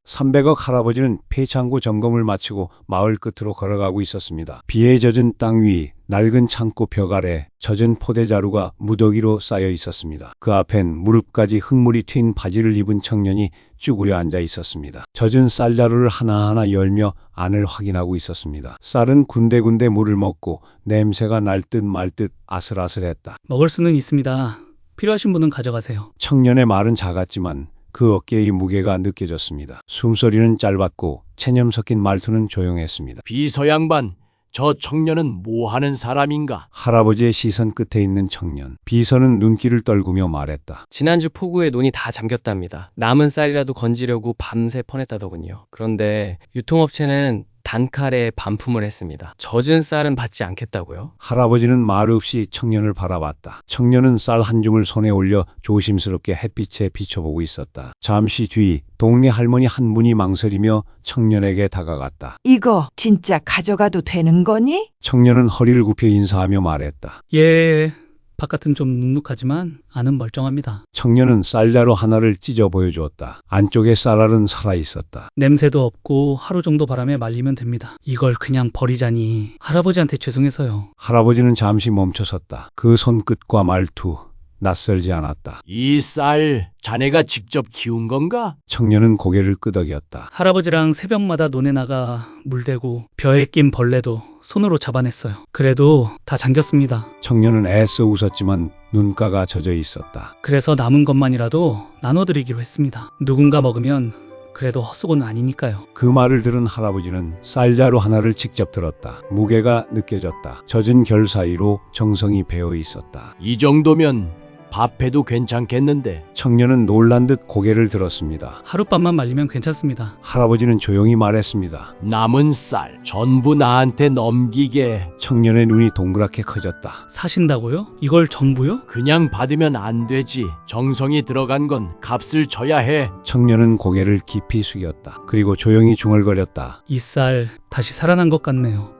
300억 할아버지는 폐창고 점검을 마치고 마을 끝으로 걸어가고 있었습니다. 비에 젖은 땅 위, 낡은 창고 벽 아래 젖은 포대자루가 무더기로 쌓여 있었습니다. 그 앞엔 무릎까지 흙물이 튄 바지를 입은 청년이 쭈그려 앉아 있었습니다. 젖은 쌀자루를 하나하나 열며 안을 확인하고 있었습니다. 쌀은 군데군데 물을 먹고 냄새가 날 듯 말 듯 아슬아슬했다. 먹을 수는 있습니다. 필요하신 분은 가져가세요. 청년의 말은 작았지만 그 어깨의 무게가 느껴졌습니다. 숨소리는 짧았고 체념 섞인 말투는 조용했습니다. 비서 양반, 저 청년은 뭐 하는 사람인가? 할아버지의 시선 끝에 있는 청년. 비서는 눈길을 떨구며 말했다. 지난주 폭우에 논이 다 잠겼답니다. 남은 쌀이라도 건지려고 밤새 퍼냈다더군요. 그런데 유통업체는 단칼에 반품을 했습니다. 젖은 쌀은 받지 않겠다고요? 할아버지는 말 없이 청년을 바라봤다. 청년은 쌀 한 줌을 손에 올려 조심스럽게 햇빛에 비춰보고 있었다. 잠시 뒤 동네 할머니 한 분이 망설이며 청년에게 다가갔다. 이거 진짜 가져가도 되는 거니? 청년은 허리를 굽혀 인사하며 말했다. 예, 바깥은 좀 눅눅하지만 안은 멀쩡합니다. 청년은 쌀자루 하나를 찢어 보여주었다. 안쪽에 쌀알은 살아있었다. 냄새도 없고 하루 정도 바람에 말리면 됩니다. 이걸 그냥 버리자니 할아버지한테 죄송해서요. 할아버지는 잠시 멈춰섰다. 그 손끝과 말투 낯설지 않았다. 이 쌀 자네가 직접 키운 건가? 청년은 고개를 끄덕였다. 할아버지랑 새벽마다 논에 나가 물대고 벼에 낀 벌레도 손으로 잡아냈어요. 그래도 다 잠겼습니다. 청년은 애써 웃었지만 눈가가 젖어 있었다. 그래서 남은 것만이라도 나눠드리기로 했습니다. 누군가 먹으면 그래도 헛수고는 아니니까요. 그 말을 들은 할아버지는 쌀자루 하나를 직접 들었다. 무게가 느껴졌다. 젖은 결 사이로 정성이 배어 있었다. 이 정도면 밥해도 괜찮겠는데. 청년은 놀란 듯 고개를 들었습니다. 하룻밤만 말리면 괜찮습니다. 할아버지는 조용히 말했습니다. 남은 쌀 전부 나한테 넘기게. 청년의 눈이 동그랗게 커졌다. 사신다고요? 이걸 전부요? 그냥 받으면 안 되지. 정성이 들어간 건 값을 줘야 해. 청년은 고개를 깊이 숙였다. 그리고 조용히 중얼거렸다. 이 쌀 다시 살아난 것 같네요.